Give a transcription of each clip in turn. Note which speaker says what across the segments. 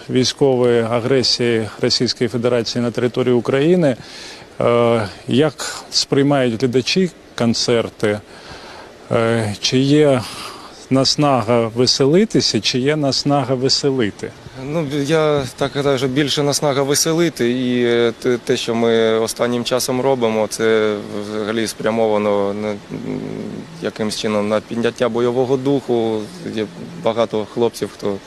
Speaker 1: військової агресії Російської Федерації на території України. Як сприймають глядачі концерти? Чи є наснага веселитися, чи є наснага веселити?
Speaker 2: Ну, я так гадаю, що більше наснага веселити, і те, що ми останнім часом робимо, це взагалі спрямовано якимось чином на підняття бойового духу. Є багато хлопців, хто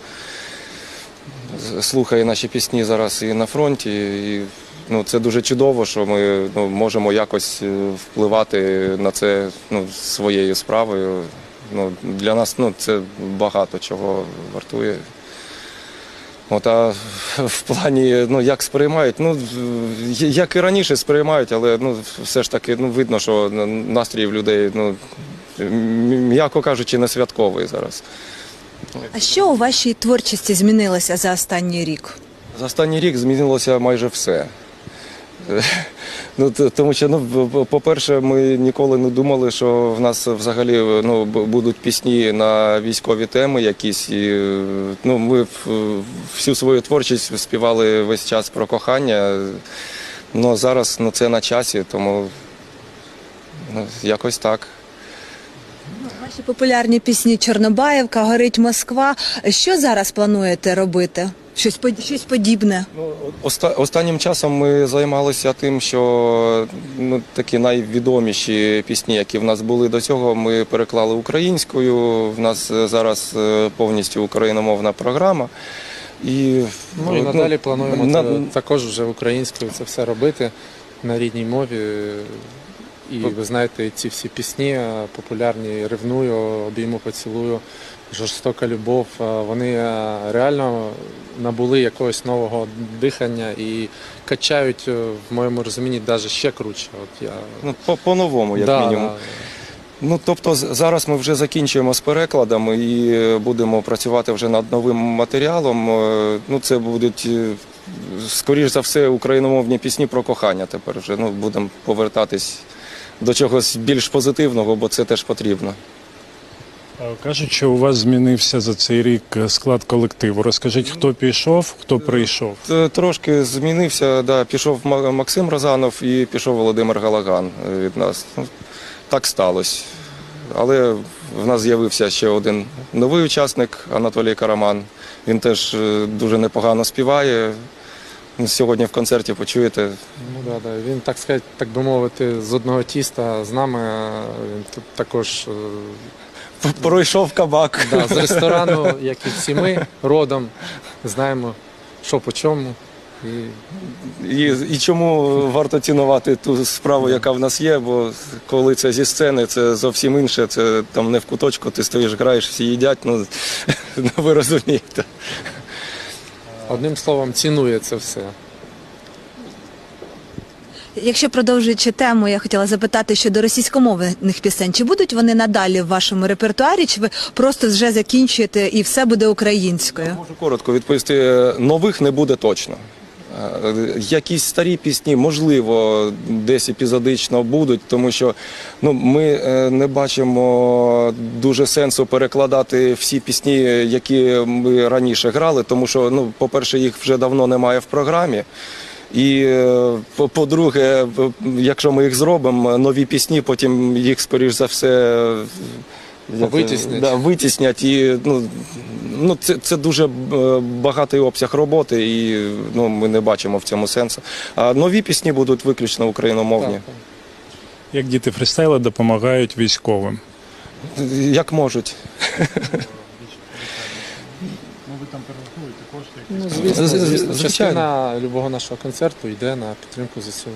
Speaker 2: слухає наші пісні зараз і на фронті. І, це дуже чудово, що ми можемо якось впливати на це своєю справою. Для нас це багато чого вартує. А в плані, як сприймають, як і раніше сприймають, але все ж таки видно, що настрій в людей, м'яко кажучи, не святковий зараз.
Speaker 3: А що у вашій творчості змінилося за останній рік?
Speaker 2: За останній рік змінилося майже все. Тому що, по-перше, ми ніколи не думали, що в нас взагалі будуть пісні на військові теми якісь. І, ми всю свою творчість співали весь час про кохання. Зараз це на часі, тому якось так.
Speaker 3: Ваші популярні пісні «Чорнобаївка», «Горить Москва». Що зараз плануєте робити? Щось подібне?
Speaker 2: Останнім часом ми займалися тим, що такі найвідоміші пісні, які в нас були до цього, ми переклали українською. В нас зараз повністю україномовна програма. І
Speaker 4: надалі плануємо також вже українською це все робити на рідній мові. І ви знаєте, ці всі пісні популярні «Ревную», «Обійму, поцілую», «Жорстока любов», вони реально набули якогось нового дихання і качають, в моєму розумінні, навіть ще круче.
Speaker 2: По-новому, як мінімум. Тобто зараз ми вже закінчуємо з перекладами і будемо працювати вже над новим матеріалом. Це будуть, скоріш за все, україномовні пісні про кохання тепер вже. Будемо повертатись до чогось більш позитивного, бо це теж потрібно.
Speaker 1: Кажуть, що у вас змінився за цей рік склад колективу. Розкажіть, хто пішов, хто прийшов?
Speaker 2: Трошки змінився, да. Пішов Максим Розанов і пішов Володимир Галаган від нас. Так сталося. Але в нас з'явився ще один новий учасник, Анатолій Караман. Він теж дуже непогано співає. Сьогодні в концерті почуєте.
Speaker 4: Він, так би мовити, з одного тіста з нами. Він тут також
Speaker 2: пройшов кабак.
Speaker 4: З ресторану, як і всі ми, родом, знаємо, що по чому.
Speaker 2: І чому варто цінувати ту справу, яка в нас є, бо коли це зі сцени, це зовсім інше, це там не в куточку, ти стоїш, граєш, всі їдять, ви розумієте.
Speaker 4: Одним словом, цінує це все.
Speaker 3: Якщо продовжуючи тему, я хотіла запитати щодо російськомовних пісень. Чи будуть вони надалі в вашому репертуарі, чи ви просто вже закінчуєте і все буде українською?
Speaker 2: Можу коротко відповісти. Нових не буде точно. Якісь старі пісні, можливо, десь епізодично будуть, тому що ми не бачимо дуже сенсу перекладати всі пісні, які ми раніше грали, тому що, по-перше, їх вже давно немає в програмі. І, по-друге, якщо ми їх зробимо, нові пісні, потім їх, скоріш за все, витіснять. І, це дуже багатий обсяг роботи, і ми не бачимо в цьому сенсу. А нові пісні будуть виключно україномовні.
Speaker 1: Як діти фрістайла допомагають військовим?
Speaker 2: Як можуть.
Speaker 1: Ви там перерахуєте кошти?
Speaker 4: Звісно, частина любого нашого концерту йде на підтримку ЗСУ.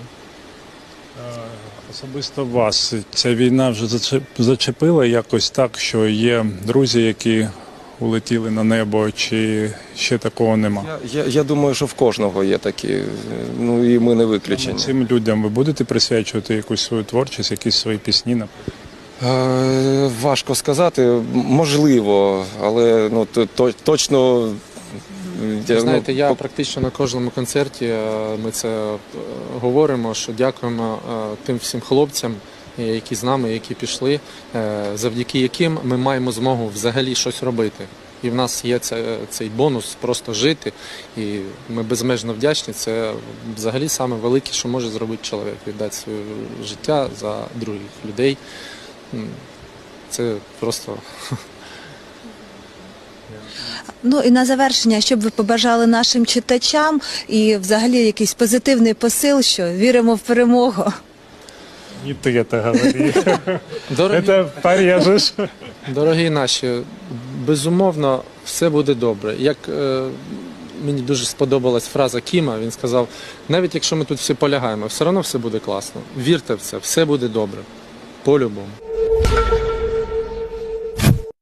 Speaker 1: Особисто вас ця війна вже зачепила якось так, що є друзі, які улетіли на небо, чи ще такого нема?
Speaker 2: Я думаю, що в кожного є такі, і ми не виключені.
Speaker 1: Цим людям ви будете присвячувати якусь свою творчість, якісь свої пісні, наприклад?
Speaker 2: Важко сказати, можливо, але точно.
Speaker 4: Ви знаєте, я практично на кожному концерті, ми це говоримо, що дякуємо тим всім хлопцям, які з нами, які пішли, завдяки яким ми маємо змогу взагалі щось робити. І в нас є цей бонус просто жити. І ми безмежно вдячні. Це взагалі саме велике, що може зробити чоловік. Віддати своє життя за других людей. Це просто...
Speaker 3: Ну і на завершення, що б ви побажали нашим читачам і взагалі якийсь позитивний посил, що віримо в перемогу.
Speaker 1: Не ти це говори.
Speaker 4: Дорогі,
Speaker 1: Це порежеш.
Speaker 4: дорогі наші, безумовно, все буде добре. Як мені дуже сподобалась фраза Кіма, він сказав, навіть якщо ми тут всі полягаємо, все одно все буде класно. Вірте в це, все буде добре. По-любому.